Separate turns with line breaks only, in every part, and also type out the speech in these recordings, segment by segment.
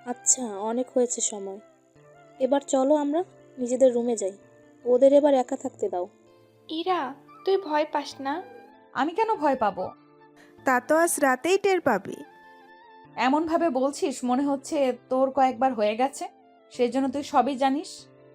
আচ্ছা, অনেক হয়েছে সময়। এবার চলো আমরা নিজেদের রুমে যাই। ওদের এবার একা থাকতে দাও।
ইরা, তুই ভয় পাস না?
আমি কেন ভয় পাবো?
তা তো আজ রাতেই টের পাবি।
এমনভাবে বলছিস মনে হচ্ছে তোর কয়েকবার হয়ে গেছে, সেজন্য তুই সবই জানিস।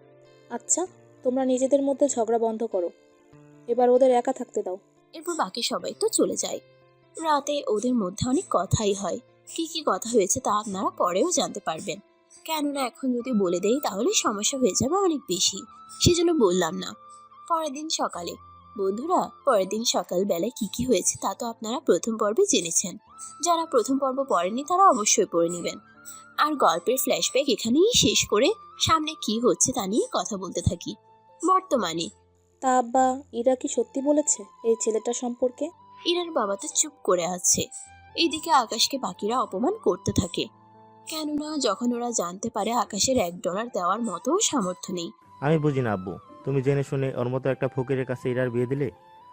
আচ্ছা, তোমরা নিজেদের মধ্যে ঝগড়া বন্ধ করো। এবার ওদের একা থাকতে দাও।
এরপর বাকি সবাই তো চলে যায়। রাতে ওদের মধ্যে অনেক কথাই হয়। কি কি কথা হয়েছে তা আপনারা পরেও জানতে পারবেন, কেননা এখন যদি বলে দেই তাহলে সমস্যা হয়ে যাবে অনেক বেশি, সেজন্য বললাম না। পরের দিন সকালে, বন্ধুরা, পরের দিন সকালবেলায় কি কি হয়েছে তা তো আপনারা প্রথম পর্বে জেনেছেন। যারা প্রথম পর্ব পড়েনি তারা অবশ্যই পড়ে নেবেন। আর গল্পের ফ্ল্যাশব্যাক এখানেই শেষ করে সামনে কি হচ্ছে তা নিয়ে কথা বলতে থাকি। বর্তমানে
তা আব্বা, ইরা কি সত্যি বলেছে এই ছেলেটা সম্পর্কে?
ইরার বাবা তো চুপ করে আছে। এইদিকে আকাশকে বাকিরা অপমান করতে থাকে, কেননা যখন ওরা জানতে পারে আকাশের $1 দেওয়ার মতো সামর্থ্য নেই।
আমি বুঝি না আব্বু, তুমি জেনে শুনে ওর মতো একটা ফকিরের কাছে ইরার বিয়ে দিলে।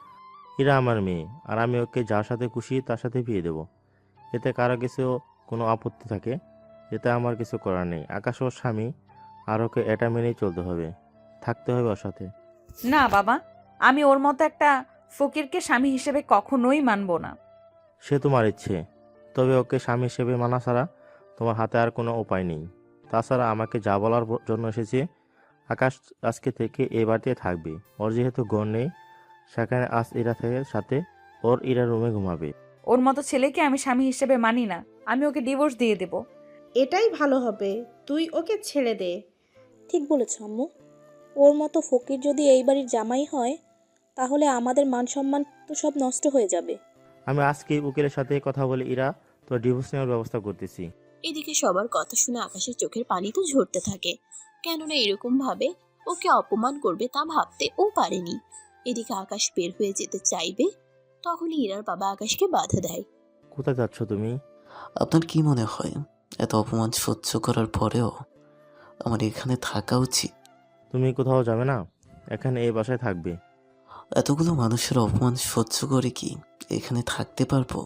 ইরা আমার মেয়ে, আর আমি ওকে যার সাথে খুশি তার সাথে বিয়ে দেবো। এতে কারো কিছু কোনো আপত্তি থাকে, এতে আমার কিছু করার নেই। আকাশ ওর স্বামী, আর ওকে এটা মেনেই চলতে হবে, থাকতে হবে ওর সাথে।
না বাবা, আমি ওর মতো একটা ফকিরকে স্বামী হিসেবে কখনোই মানবো না।
সে তোমার ইচ্ছে, তবে ওকে স্বামী হিসেবে মানা ছাড়া তোমার হাতে আর কোনো উপায় নেই। তাছাড়া আমাকে যা বলার জন্য এসেছে, আকাশ আজকে থেকে এই বাড়িতে থাকবে। ওর যেহেতু ঘর নেই, সেখানে আজ ইরা থেকে সাথে ওর ইরা রুমে ঘুমাবে।
ওর মতো ছেলেকে আমি স্বামী হিসেবে মানি না। আমি ওকে ডিভোর্স দিয়ে দেব।
এটাই ভালো হবে, তুই ওকে ছেড়ে দে।
ঠিক বলেছ আম্মু। ওর মতো ফকির যদি এই বাড়ির জামাই হয়, তাহলে আমাদের মান সম্মান তো সব নষ্ট হয়ে যাবে।
আমি আজকেই উকিলের সাথে কথা বলে ইরা তো ডিভোর্স নেওয়ার ব্যবস্থা করতেছি।
এদিকে সবার কথা শুনে আকাশের চোখের পানি তো ঝরতে থাকে, কেননা এরকম ভাবে ওকে অপমান করবে তা ভাবতে ও পারেনি। এদিকে আকাশ বের হয়ে যেতে চাইবে, তখনই ইরার বাবা আকাশকে বাধা দেয়।
কোথায় যাচ্ছ তুমি?
আপনার কি মনে হয় এত অপমান সহ্য করার পরেও আমার এখানে থাকা উচিত?
তুমি কোথাও যাবে না, এখানে এই বাসায় থাকবে।
এতগুলো মানুষের অপমান সহ্য করে কি এখানে থাকতে পারবো?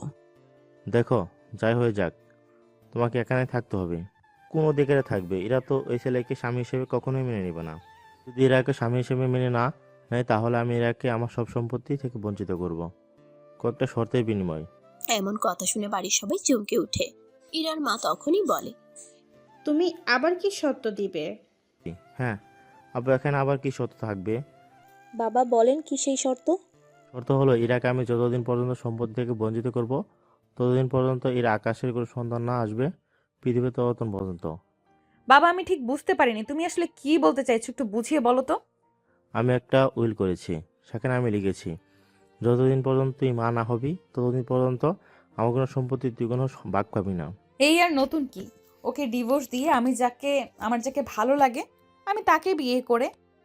দেখো, যাই হয়ে যাক, তোমাকে এখানে থাকতে হবে। কোনো দিকে থাকবে, এরা তো ওই ছেলেকে স্বামী হিসেবে কখনোই মেনে নেবে না। যদি এরাকে স্বামী হিসেবে মেনে না নেয়, তাহলে আমি এরাকে আমার সব সম্পত্তি থেকে বঞ্চিত করব, কয়েকটা শর্তের বিনিময়।
এমন কথা শুনে বাড়ির সবাই চমকে ওঠে। ইরার মা তখনই বলে,
তুমি আবার কি শর্ত দিবে?
হ্যাঁ আব্বু, এখানে আবার কি শর্ত থাকবে?
বাবা বলেন কি সেই শর্ত?
শর্ত হলো, ইরাকে আমি যতদিন পর্যন্ত সম্পত্তি থেকে বঞ্চিত করব, ততদিন পর্যন্ত এরা আকাশের কোনো সন্তান না আসবে পৃথিবীর ততদিন পর্যন্ত।
বাবা, আমি ঠিক বুঝতে পারিনি তুমি আসলে কি বলতে চাইছো, একটু বুঝিয়ে বলো তো।
আমি একটা উইল করেছি, সেখানে আমি লিখেছি, যতদিন পর্যন্ত তুই মা না হবি ততদিন পর্যন্ত আমার কোনো সম্পত্তি তুই কোনো ভাগ পাবি না।
এই আর নতুন কি? ওকে ডিভোর্স দিয়ে আমার যাকে ভালো লাগে আমি তাকে বিয়ে করে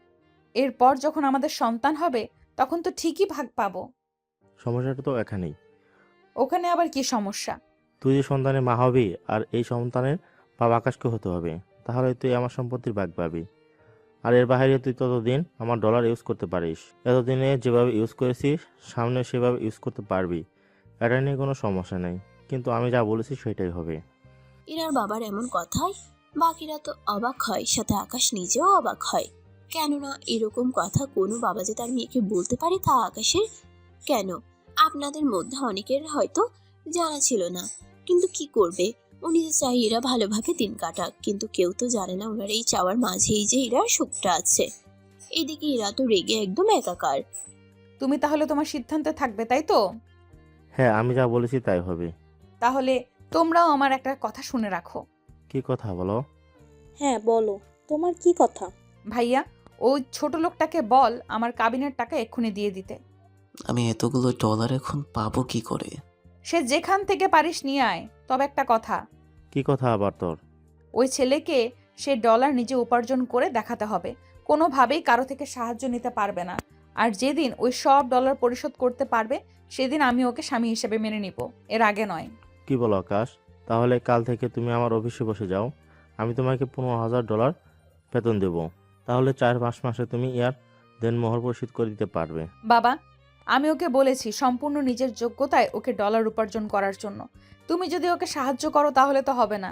এরপর যখন আমাদের সন্তান হবে তখন তো ঠিকই ভাগ পাবো।
সমস্যাটা তো এখানেই।
ওখানে আবার কি সমস্যা?
তুই যে সন্তানের মা হবি, আর এই সন্তানের বাবা আকাশকে হতে হবে, তাহলে তুই আমার সম্পত্তির ভাগ পাবি। আর এর বাইরে তুই ততদিন আমার ডলার ইউজ করতে পারিস, এতদিনে যেভাবে ইউজ করেছিস সামনে সেভাবে ইউজ করতে পারবি। এটা নিয়ে কোনো সমস্যা নেই, কিন্তু আমি যা বলেছি সেটাই হবে।
ইরার বাবার এমন কথায় বাকিরা তো অবাক হয়, সাথে আকাশ নিজেও অবাক হয়, কেননা এরকম কথা কোনো বাবা যে তার মেয়েকে বলতে পারে তা আকাশের কেন আপনাদের মধ্যে অনেকের হয়তো জানা ছিল না। কিন্তু কি করবে, উনি যে চাই এরা ভালোভাবে দিন কাটাক, কিন্তু কেউ তো জানে না ওনার এই চাওয়ার মাঝেই যে এরার সুখটা আছে। এদিকে এরা তো রেগে একদম একাকার।
তুমি তাহলে তোমার সিদ্ধান্তে থাকবে, তাই তো?
হ্যাঁ, আমি যা বলেছি তাই হবে।
তাহলে তোমরাও আমার একটা কথা শুনে রাখো।
কি কথা বলো?
হ্যাঁ বলো, তোমার কি কথা?
ভাইয়া, ওই ছোট লোকটাকে বল আমার কাবিনের টাকা এক্ষুনি দিয়ে দিতে।
আমি এতগুলো ডলার এখন পাবো কি করে?
সে যেখান থেকে পারিস নিয়ে আয়, তবে একটা কথা,
কি কথা আবার তোর?
ওই ছেলেকে সে ডলার নিজে উপার্জন করে দেখাতে হবে, কোনোভাবেই কারো থেকে সাহায্য নিতে পারবে না। আর যেদিন ওই সব ডলার পরিশোধ করতে পারবে সেদিন আমি ওকে স্বামী হিসেবে মেনে নিব, এর আগে নয়।
কি বলো আকাশ? তাহলে কাল থেকে তুমি আমার অফিসে বসে যাও, আমি তোমাকে $15,000 বেতন দেব। তাহলে 4-5 মাসে তুমি ইয়ার দেনমোহর পরিশোধ করে দিতে পারবে।
বাবা, আমি ওকে বলেছি সম্পূর্ণ নিজের যোগ্যতায় ওকে ডলার উপার্জন করার জন্য। তুমি যদি ওকে সাহায্য করো তাহলে তো হবে না।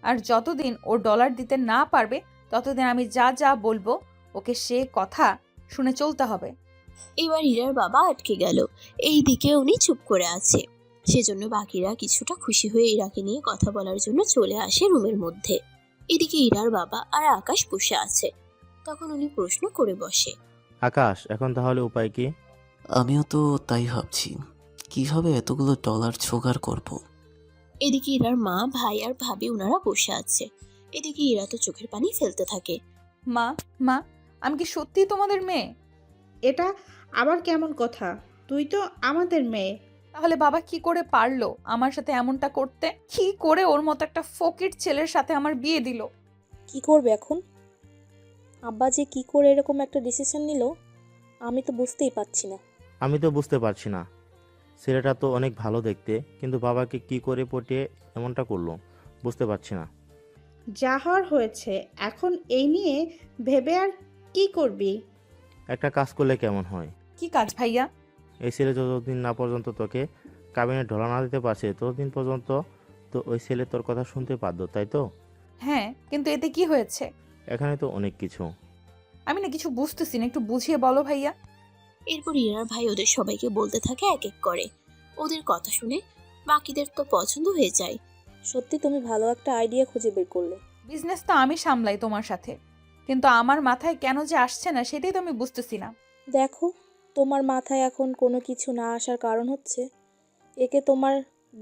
আর যতদিন ও ডলার দিতে না পারবে ততদিন আমি যা যা বলবো ওকে সে কথা শুনে চলতে হবে।
এবার ইরার বাবা আটকে গেল। এই দিকে উনি চুপ করে আছে। সেজন্য বাকিরা কিছুটা খুশি হয়ে ইরাকে নিয়ে কথা বলার জন্য চলে আসে রুমের মধ্যে। এদিকে ইরার বাবা আর আকাশ বসে আছে। তখন উনি প্রশ্ন করে বসে,
আকাশ, এখন তাহলে উপায় কি?
আমিও তো তাই ভাবছি, কিভাবে এতগুলো ডলার জোগাড় করব।
এদিকে ইরার মা, ভাই আর ভাবি ওনারা বসে আছে। এদিকে ইরা তো চোখের পানি ফেলতে থাকে।
মা, মা, আমি কি সত্যিই তোমাদের মেয়ে?
এটা আবার কেমন কথা? তুই তো আমাদের মেয়ে।
তাহলে বাবা কি করে পারলো আমার সাথে এমনটা করতে? কি করে ওর মতো একটা ফকির ছেলের সাথে আমার বিয়ে দিল?
কি করবে এখন? আব্বা যে কি করে এরকম একটা ডিসিশন নিল আমি তো বুঝতেই পারছি না।
আমি তো বুঝতে পারছি না। ছেলেটা তো অনেক ভালো দেখতে, কিন্তু বাবাকে কি করে পটিয়ে এমনটা করলো বুঝতে পারছি না।
যা হওয়ার হয়েছে, এখন এই নিয়ে ভেবে আর কি করবি?
একটা কাজ করলে কেমন হয়?
কি কাজ ভাইয়া?
এই ছেলে যতদিন না পর্যন্ত তোকে কাবিনে ঢলা না দিতে পারছে ততদিন পর্যন্ত তো ওই ছেলে তোর কথা শুনতে বাধ্য, তাই তো?
হ্যাঁ, কিন্তু এতে কি হয়েছে?
এখানে তো অনেক কিছু।
আমি না কিছু বুঝতেছি না, একটু বুঝিয়ে বলো ভাইয়া।
এরপর ইরার ভাই ওদের সবাইকে বলতে থাকে এক এক করে। ওদের কথা শুনে বাকিদের তো পছন্দ হয়ে যায়।
সত্যি তুমি ভালো একটা আইডিয়া খুঁজে বের করলে।
বিজনেস তো আমি সামলাই তোমার সাথে, কিন্তু আমার মাথায় কেন যে আসছে না সেটাই তো আমি বুঝতেছি না।
দেখো, তোমার মাথায় এখন কোনো কিছু না আসার কারণ হচ্ছে একে তোমার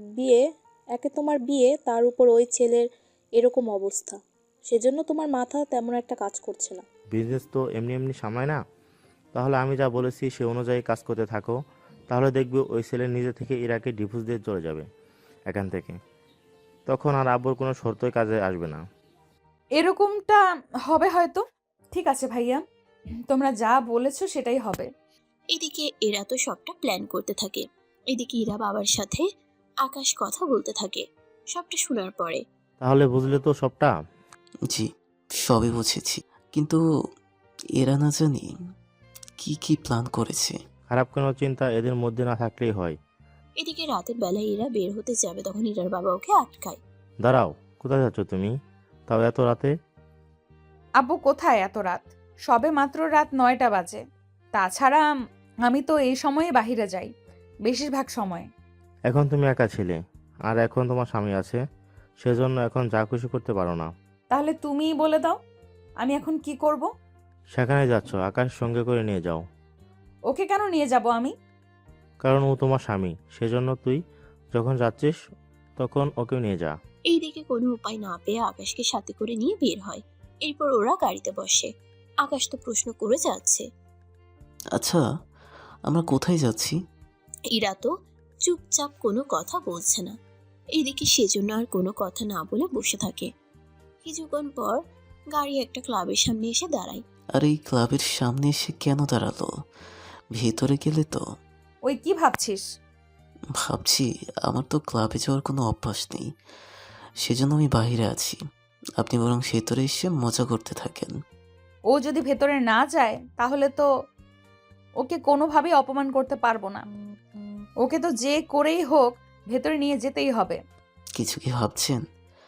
বিয়ে, তার উপর ওই ছেলের এরকম অবস্থা। সেজন্য তোমার মাথা তেমন একটা কাজ করছে না।
বিজনেস তো এমনি এমনি সামলায় না। তাহলে আমি যা বলেছি সে অনুযায়ী কাজ করতে থাকো, তাহলে দেখবে ওই ছেলে নিজে থেকে ইরাকে ডিভোর্স দিয়ে চলে যাবে এখান থেকে। তখন আর আব্বুর কোনো শর্তই কাজে আসবে না।
এরকমটা হবে হয়তো। ঠিক আছে ভাইয়া, তোমরা যা বলেছো সেটাই হবে।
এদিকে এরা তো সবটা প্ল্যান করতে থাকে। এদিকে ইরা বাবার সাথে আকাশ কথা বলতে থাকে। সবটা শোনার পরে
তাহলে বুঝলে তো সবটা?
জি, সবই বুঝেছি, কিন্তু এরা না জানি কি কি প্ল্যান করেছে।
খারাপ কোনো চিন্তা এদের মধ্যে না থাকলেই হয়।
এদিকে রাতের বেলায় এরা বের হতে যাবে, তখন ইরার বাবা ওকে আটকায়।
দাঁড়াও, কোথায় যাচ্ছ তুমি? তাও এত রাতে?
আব্বু কোথায় এত রাত? সবে মাত্র রাত 9টা বাজে। তাছাড়া আমি তো এই সময়ে বাহিরে যাই বেশিরভাগ সময়।
এখন তুমি একা ছিলে, আর এখন তোমার স্বামী আছে, সেজন্য এখন যা খুশি করতে পারো না।
তাহলে তুমিই বলে দাও আমি এখন কি করব?
সেখানে যাচ্ছ, আকাশ সঙ্গে করে নিয়ে যাও।
ওকে কেন নিয়ে যাব আমি?
কারণ ও তোমার স্বামী, সেজন্য তুই যখন যাচ্ছিস তখন ওকেও নিয়ে যা।
এইদিকে কোনো উপায় না পেয়ে আকাশকে সাথে করে নিয়ে বের হয়। এরপর ওরা গাড়িতে বসে। আকাশ তো প্রশ্ন করে যাচ্ছে।
আচ্ছা, আমরা কোথায় যাচ্ছি?
ইরা তো চুপচাপ কোনো কথা বলছে না। এদিকে সেজন্য আর কোনো কথা না বলে বসে থাকে। কিছুক্ষণ পর গাড়ি একটা ক্লাবের সামনে এসে দাঁড়ায়।
আর এই ক্লাবের সামনে এসে কেন দাঁড়ালো? ভেতরে গেলে তো।
ওই কি ভাবছিস?
ভাবছি, আমার তো ক্লাবে যাওয়ার কোনো অভ্যাস নেই, সেজন্য আমি বাইরে আছি। আপনি বরং ভেতরে এসে মজা করতে থাকেন।
ও যদি ভেতরে না যায় তাহলে তো ওকে কোনোভাবেই অপমান করতে পারবো না। ওকে তো যে করেই হোক ভেতরে নিয়ে যেতেই হবে।
কিছু কি ভাবছেন?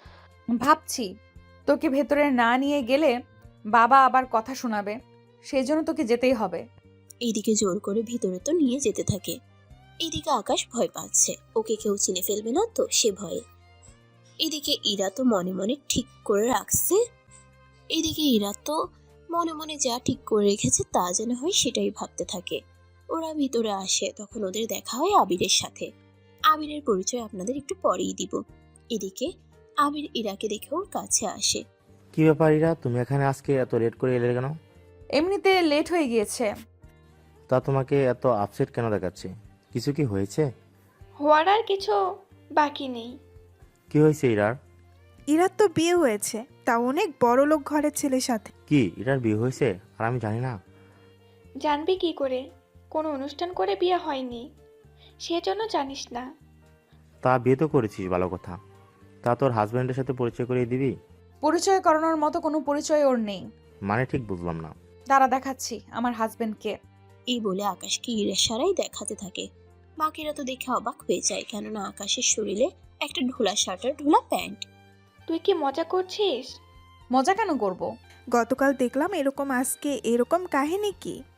ভাবছি, তোকে ভেতরে না নিয়ে গেলে বাবা আবার কথা শোনাবে, সেই জন্য তোকে যেতেই হবে।
এইদিকে জোর করে ভিতরে তো নিয়ে যেতে থাকে। এইদিকে আকাশ ভয় পাচ্ছে, ওকে কেউ চিনে ফেলবে না তো সে ভয়ে। এদিকে ইরা তো মনে মনে ঠিক করে রাখছে। এদিকে ইরা তো মনে মনে যা ঠিক করে রেখেছে তা যেন হয় সেটাই ভাবতে থাকে। ওরা ভিতরে আসে, তখন ওদের দেখা হয় আবিরের সাথে। আবিরের পরিচয় আপনাদের একটু পরেই দিব। এদিকে আবির ইরাকে দেখে ওর কাছে আসে।
কি ব্যাপার ইরা, তুমি এখানে আজকে এত লেট করে এলে কেন?
এমনিতে লেট হয়ে গিয়েছে।
তা তোমাকে এত আপসেট কেন দেখাচ্ছে? কিছু কি হয়েছে?
হওয়ার আর কিছু বাকি নেই।
কি হয়েছে ইরার?
ইরার তো বিয়ে হয়েছে, তা অনেক বড় লোক ঘরের ছেলের সাথে।
কি ইরার বিয়ে হয়েছে আর আমি জানি না?
জানবি কি করে? কোনো অনুষ্ঠান করে বিয়ে হয়নি, সেজন্য জানিস না।
তা বিয়ে তো করেছিস, ভালো কথা। তা তোর হাজব্যান্ডের সাথে পরিচয় করিয়ে দিবি?
পরিচয় করানোর মতো কোনো পরিচয় ওর নেই।
মানে ঠিক বুঝলাম না।
দাঁড়া দেখাচ্ছি আমার হাজবেন্ডকে।
এই বলে আকাশকে ইশারায় দেখাতে থাকে। বাকিরা তো দেখে অবাক হয়ে যায়, কেননা আকাশের শরীরে একটা ঢোলা শার্ট আর ঢোলা প্যান্ট।
তুই কি মজা করছিস?
মজা কেন করব?
গতকাল দেখলাম এরকম, আজকে এরকম কাহিনী কি?